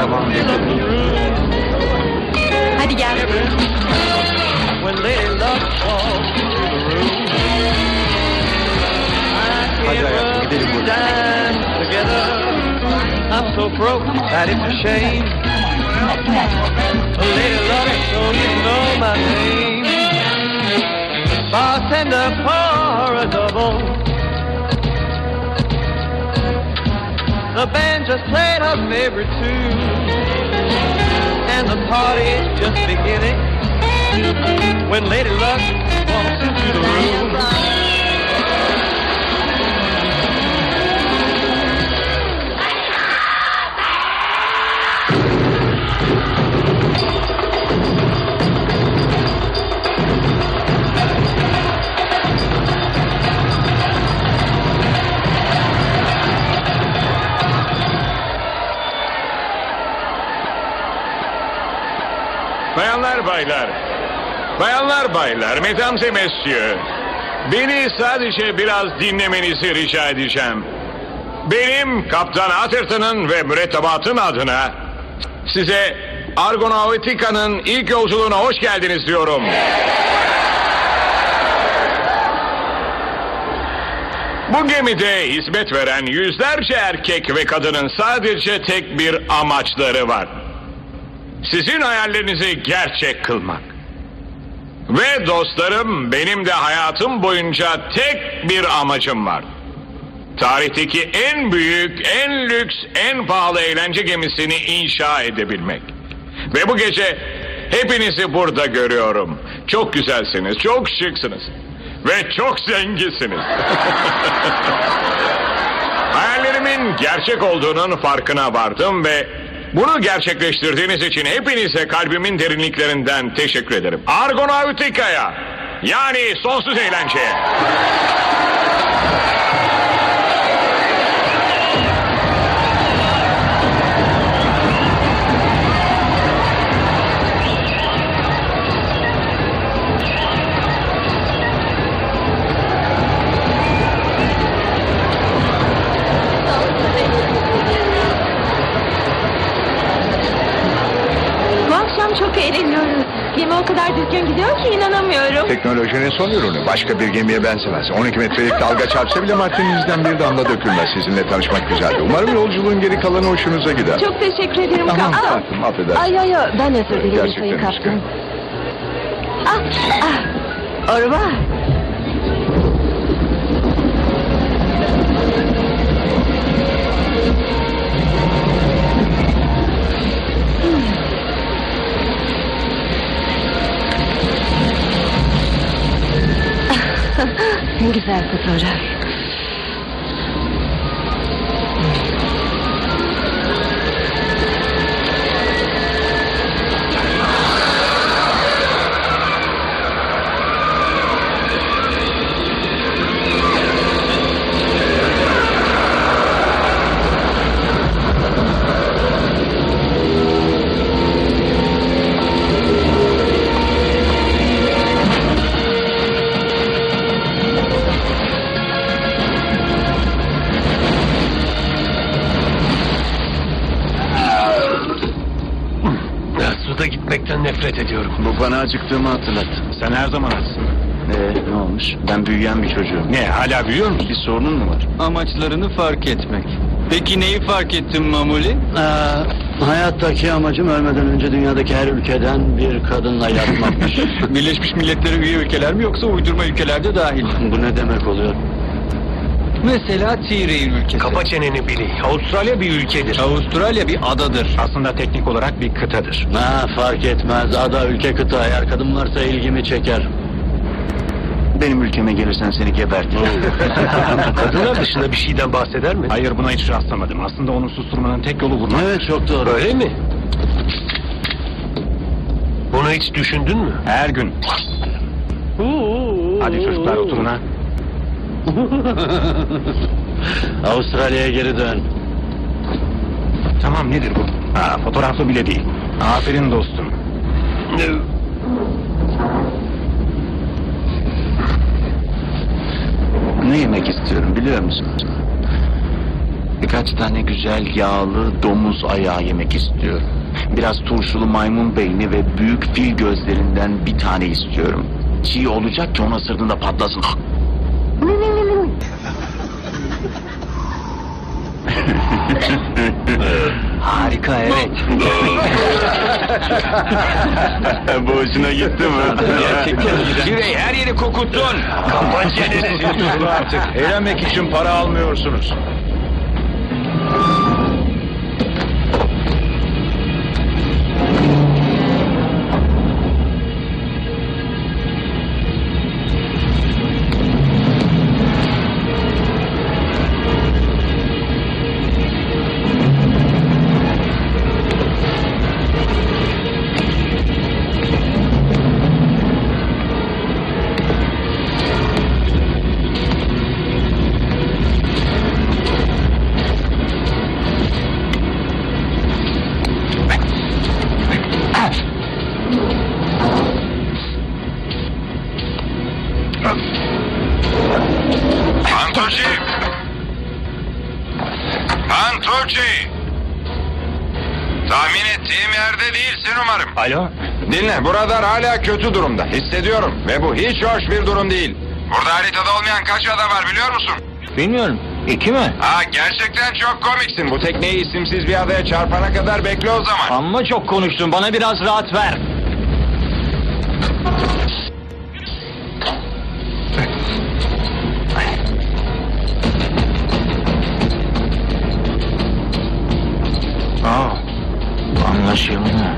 Tamam. Hadi gel. When Lady Luck walks into the room, I Hadi hayatım, can't gidelim rub buradan. dime together. I'm so broke that it's a shame. Lady Luck, so you know my name. Bartender, pour a double. The band just played her favorite tune, and the party's just beginning when Lady Luck walks into the room. Bayanlar baylar, bayanlar baylar, mesdames et messieurs. Beni sadece biraz dinlemenizi rica edeceğim. Benim Kaptan Atherton'ın ve mürettebatın adına size Argonautica'nın ilk yolculuğuna hoş geldiniz diyorum. Bu gemide hizmet veren yüzlerce erkek ve kadının sadece tek bir amaçları var. Sizin hayallerinizi gerçek kılmak. Ve dostlarım, benim de hayatım boyunca tek bir amacım var. Tarihteki en büyük, en lüks, en pahalı eğlence gemisini inşa edebilmek. Ve bu gece hepinizi burada görüyorum. Çok güzelsiniz, çok şıksınız. Ve çok zenginsiniz. Hayallerimin gerçek olduğunun farkına vardım ve bunu gerçekleştirdiğiniz için hepinize kalbimin derinliklerinden teşekkür ederim. Argonautica'ya, yani sonsuz eğlenceye. Bu akşam çok eğleniyoruz. Gemi o kadar düzgün gidiyor ki inanamıyorum. Teknolojinin son ürünü. Başka bir gemiye benzemez. 12 metrelik dalga çarpsa bile Martinis'den bir damla dökülmez. Sizinle tanışmak güzeldi. Umarım yolculuğun geri kalanı hoşunuza gider. Çok teşekkür ederim. Tamam Aa, tatlım, affedersin. Ay ben özür dilerim Gerçekten Sayın üzgünüm. Kaptan. Au revoir. Güzel fotoğraf. Suda gitmekten nefret ediyorum. Bu bana acıktığımı hatırlattı. Sen her zaman açsın. Ne olmuş? Ben büyüyen bir çocuğum. Ne, hala büyüyor musun? Bir sorunun mu var? Amaçlarını fark etmek. Peki neyi fark ettin Mamuli? Hayattaki amacım ölmeden önce dünyadaki her ülkeden bir kadınla yatmakmış. Birleşmiş Milletler'e üye ülkeler mi yoksa uydurma ülkelerde dahil mi? Bu ne demek oluyor? Mesela T-Rail ülkesi. Kapa çeneni Billy. Avustralya bir ülkedir. Avustralya bir adadır. Aslında teknik olarak bir kıtadır. Fark etmez. Ada, ülke, kıta. Eğer kadın varsa ilgimi çeker. Benim ülkeme gelirsen seni gebertirim. Kadınlar dışında bir şeyden bahseder mi? Hayır, buna hiç rastlamadım. Aslında onu susturmanın tek yolu vurmak. Evet, çok doğru. Öyle mi? Bunu hiç düşündün mü? Her gün. Hadi çocuklar, oturun ha. Avustralya'ya geri dön. Tamam, nedir bu? Fotoğraflı bile değil. Aferin dostum. Ne yemek istiyorum biliyor musun? Birkaç tane güzel yağlı domuz ayağı yemek istiyorum. Biraz turşulu maymun beyni ve büyük fil gözlerinden bir tane istiyorum. Çiğ olacak ki ona sırtında patlasın. Harika, evet. Bu hoşuna gitti mi? Gerçekten. Şirey, her yeri kokuttun. Kapat çeneni. Durun artık. Eğlenmek için para almıyorsunuz. Pantoci! Pantoci! Tahmin ettiğim yerde değilsin umarım. Alo? Dinle, bu radar hala kötü durumda. Hissediyorum ve bu hiç hoş bir durum değil. Burada haritada olmayan kaç ada var biliyor musun? Bilmiyorum. 2 mi? Ha, gerçekten çok komiksin. Bu tekneyi isimsiz bir adaya çarpana kadar bekle o zaman. Amma çok konuştun. Bana biraz rahat ver. Anlaşıldı.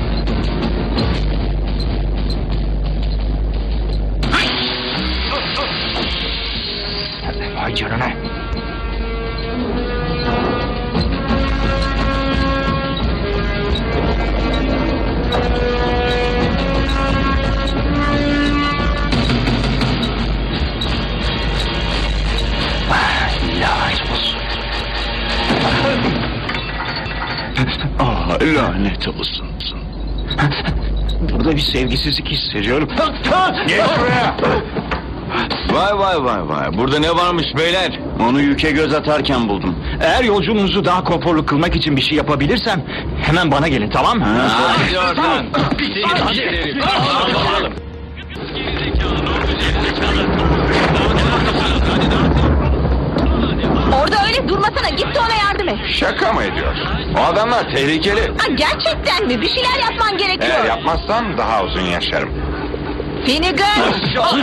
Vay canına. Lanet olsun. Burada bir sevgisizlik hissediyorum. Geç buraya! Vay. Burada ne varmış beyler? Onu yüke göz atarken buldum. Eğer yolculuğunuzu daha konforlu kılmak için bir şey yapabilirsem hemen bana gelin, tamam mı? Hadi oradan. Orada öyle durmasana, git de ona yardım et. Şaka mı ediyorsun? O adamlar tehlikeli. Ha, gerçekten mi? Bir şeyler yapman gerekiyor. Eğer yapmazsam daha uzun yaşarım. Finnegan!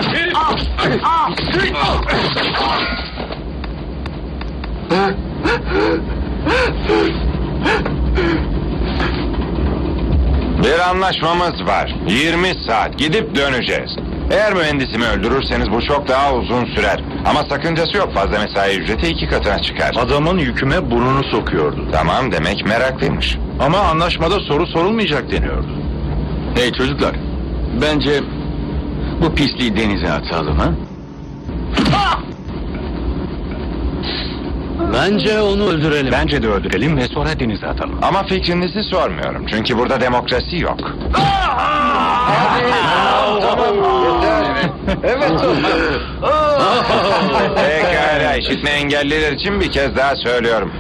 Bir anlaşmamız var. 20 saat gidip döneceğiz. Eğer mühendisimi öldürürseniz bu çok daha uzun sürer. Ama sakıncası yok, fazla mesai ücreti 2 katına çıkar. Adamın yüküme burnunu sokuyordu. Tamam, demek meraklıymış. Ama anlaşmada soru sorulmayacak deniyordu. Hey çocuklar. Bence bu pisliği denize atalım ha? Bence onu öldürelim. Bence de öldürelim ve sonra denize atalım. Ama fikrinizi sormuyorum. Çünkü burada demokrasi yok. Pekala, işitme engelliler için bir kez daha söylüyorum.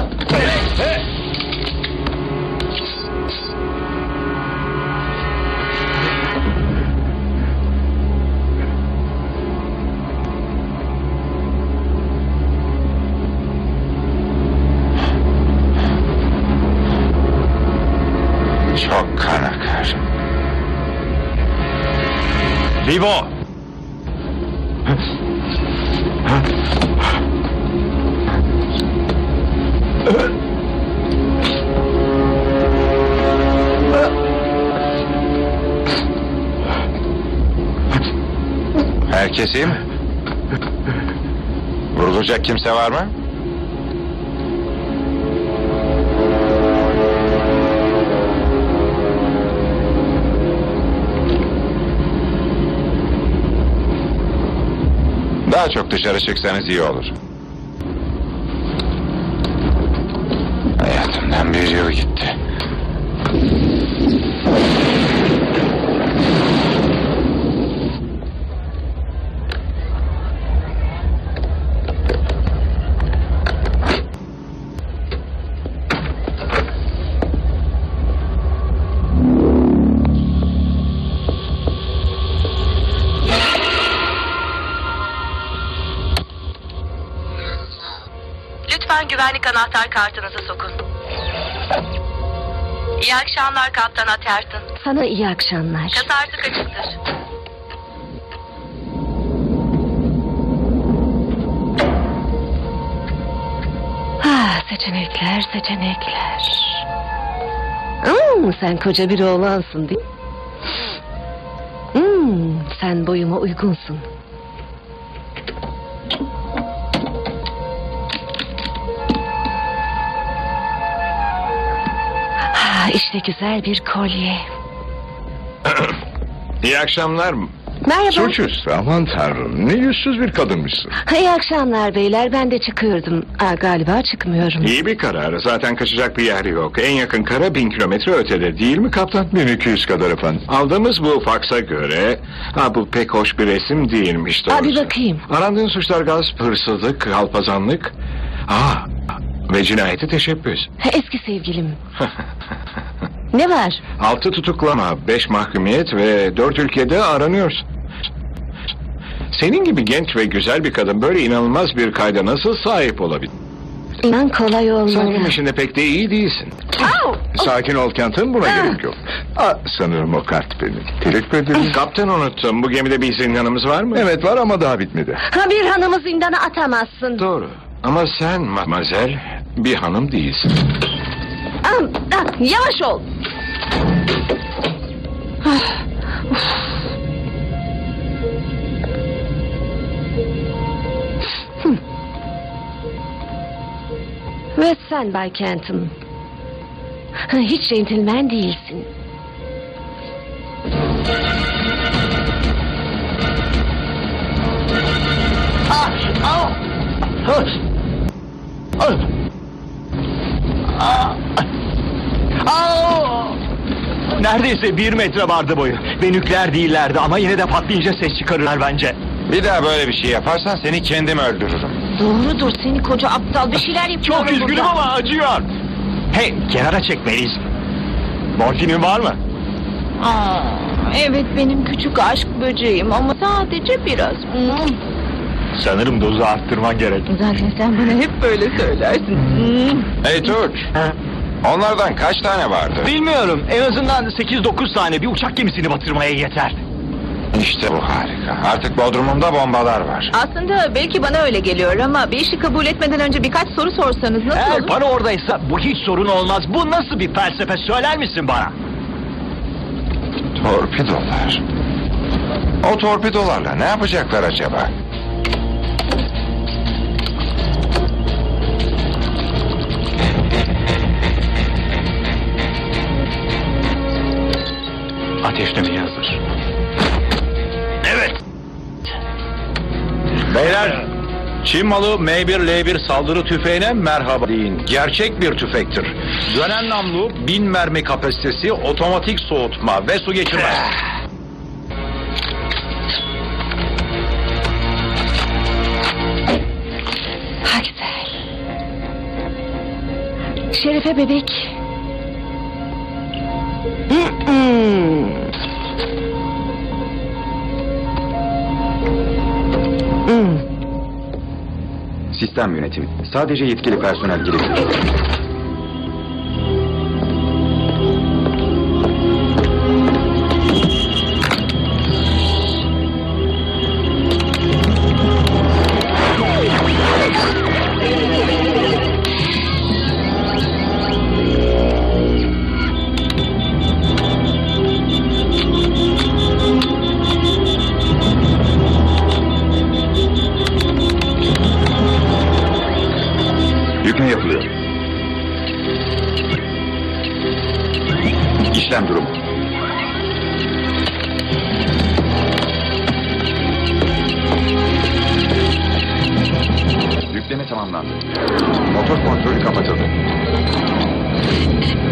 Çok kan akar. Vivo! Herkes iyi mi? Vurulacak kimse var mı? Daha çok dışarı çıksanız iyi olur. Hayatımdan bir yıl gitti. Lütfen güvenlik anahtar kartınızı sokun. İyi akşamlar Kaptan Atherton. Sana iyi akşamlar. Kasa artık açıktır. Seçenekler, seçenekler. Sen koca bir oğlansın değil mi? Sen boyuma uygunsun. İşte güzel bir kolye. İyi akşamlar. Merhaba. Suçüstü, aman tanrım. Ne yüzsüz bir kadınmışsın. İyi akşamlar beyler, ben de çıkıyordum. Galiba çıkmıyorum. İyi bir karar. Zaten kaçacak bir yer yok. En yakın kara 1000 kilometre ötede değil mi kaptan? 1200 kadar efendim. Aldığımız bu faksa göre... bu pek hoş bir resim değilmiş doğrusu. Bir bakayım. Arandığın suçlar gasp, hırsızlık, kalpazanlık... ve cinayeti teşebbüs. Eski sevgilim. Ne var? 6 tutuklama, 5 mahkumiyet ve 4 ülkede aranıyorsun. Senin gibi genç ve güzel bir kadın böyle inanılmaz bir kayda nasıl sahip olabilir? İnan kolay olmalı. Sanırım işinde pek de iyi değilsin. Sakin ol Kenton, buna gerek yok. Sanırım o kart benim. Teşekkür ederim. Kaptan unuttum. Bu gemide bir zindanımız var mı? Evet var ama daha bitmedi. Bir hanımı zindana atamazsın. Doğru. Ama sen mademoiselle bir hanım değilsin. Yavaş ol. Ve sen Bay Kenton. Hiç centilmen değilsin. Neredeyse 1 metre vardı boyu. Ve nükleer değillerdi ama yine de patlayınca ses çıkarırlar bence. Bir daha böyle bir şey yaparsan seni kendim öldürürüm. Doğrudur, seni koca aptal, bir şeyler yapıyorum Çok üzgünüm burada. ama acıyor. Hey, kenara çekmeliyiz. Morfinin var mı? Evet, benim küçük aşk böceğim ama sadece biraz. Sanırım dozu arttırman gerek. Zaten sen bana hep böyle söylersin. Hey Tunç, onlardan kaç tane vardı? Bilmiyorum. En azından 8-9 tane bir uçak gemisini batırmaya yeter. İşte bu harika. Artık Bodrum'umda bombalar var. Aslında belki bana öyle geliyor ama bir işi kabul etmeden önce birkaç soru sorsanız nasıl Eğer olur? para oradaysa bu hiç sorun olmaz. Bu nasıl bir felsefe söyler misin bana? Torpidolar. O torpidolarla ne yapacaklar acaba? Ateşlemeye hazır. Evet. Beyler, Çin malı M1L1 saldırı tüfeğine merhaba deyin. Gerçek bir tüfektir. Dönen namlu, 1000 mermi kapasitesi, otomatik soğutma ve su geçirmez. Güzel. Şerife bebek. Sistem yönetimi. Sadece yetkili personel girebilir. Yükle yapılıyor. İşlem durumu. Yükleme tamamlandı. Motor kontrolü kapatıldı.